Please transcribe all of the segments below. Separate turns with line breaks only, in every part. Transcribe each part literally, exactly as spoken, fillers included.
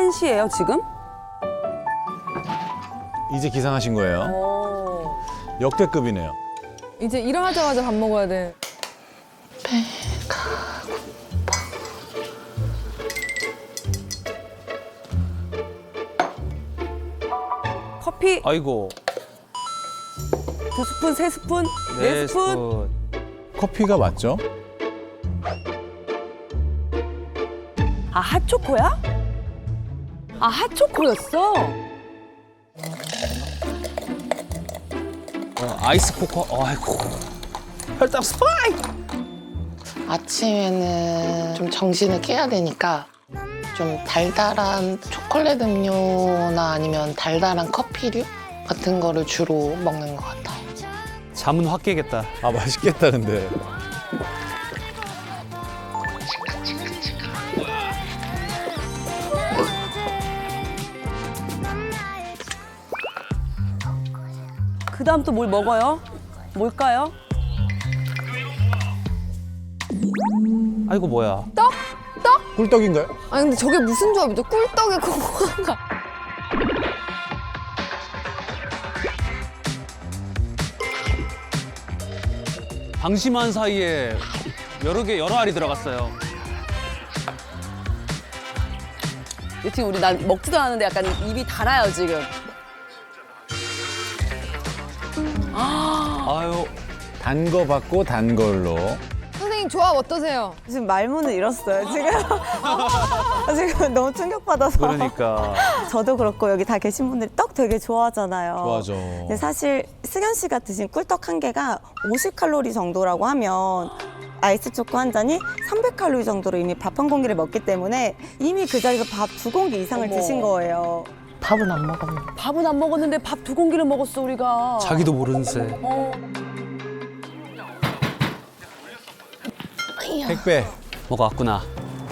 한 시예요, 지금?
이제 기상하신 거예요?
오.
역대급이네요.
이제 일어나자마자 밥 먹어야 돼.
커피
아이고.
두 스푼, 세 스푼, 네,
네
스푼.
스푼.
커피가 맞죠?
아, 핫초코야? 아, 핫초코였어?
어, 아이스 코코. 아이고. 혈당 스파이.
아침에는 좀 정신을 깨야 되니까 좀 달달한 초콜릿 음료나 아니면 달달한 커피류 같은 거를 주로 먹는 것 같아요.
잠은 확 깨겠다.
아 맛있겠다 근데.
그 다음 또 뭘 먹어요? 뭘까요?
아이고 뭐야.
떡? 떡?
꿀떡인가요?
아니 근데 저게 무슨 조합이죠? 꿀떡에 코코아가.
방심한 사이에 여러 개 여러 알이 들어갔어요.
지금 우리 난 먹지도 않았는데 약간 입이 달아요, 지금.
아유.
단 거 받고 단 걸로.
선생님 조합 어떠세요?
지금 말문을 잃었어요, 지금. 지금 너무 충격받아서.
그러니까.
저도 그렇고 여기 다 계신 분들이 떡 되게 좋아하잖아요.
좋아하죠.
근데 사실 승현 씨가 드신 꿀떡 한 개가 오십 칼로리 정도라고 하면 아이스 초코 한 잔이 삼백 칼로리 정도로 이미 밥 한 공기를 먹기 때문에 이미 그 자리에서 밥 두 공기 이상을
어머.
드신 거예요.
밥은 안 먹었는데.
밥은 안 먹었는데 밥 두 공기를 먹었어, 우리가.
자기도 모르는 새.
어.
택배.
뭐가 왔구나.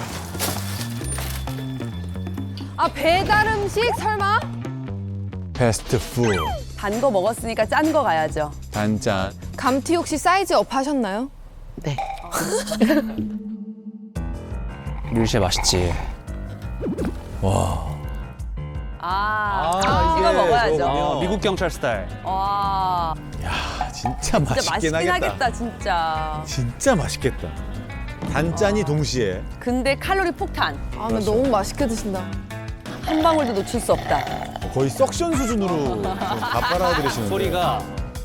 아 배달 음식 설마?
패스트푸드.
단 거 먹었으니까 짠 거 가야죠.
단짠.
감튀 혹시 사이즈 업 하셨나요?
네.
류쉐 맛있지.
와.
아,
아,
찍어
이게
먹어야죠.
저거요.
어, 미국 경찰 스타일.
와,
야 진짜
진짜
맛있긴
맛있긴
하겠다.
하겠다, 진짜.
진짜 맛있겠다. 단짠이 동시에.
근데 칼로리 폭탄.
아 나
그렇죠.
너무 맛있게 드신다.
한 방울도 놓칠 수 없다.
거의 석션 수준으로 다 빨아들이시는데.
소리가.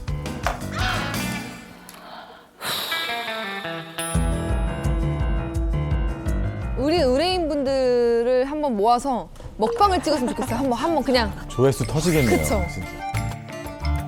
우리 의뢰인 분들을 한번 모아서 먹방을 찍었으면 좋겠어요. 한번 한번 그냥.
조회수 터지겠네요.
그쵸.
진짜.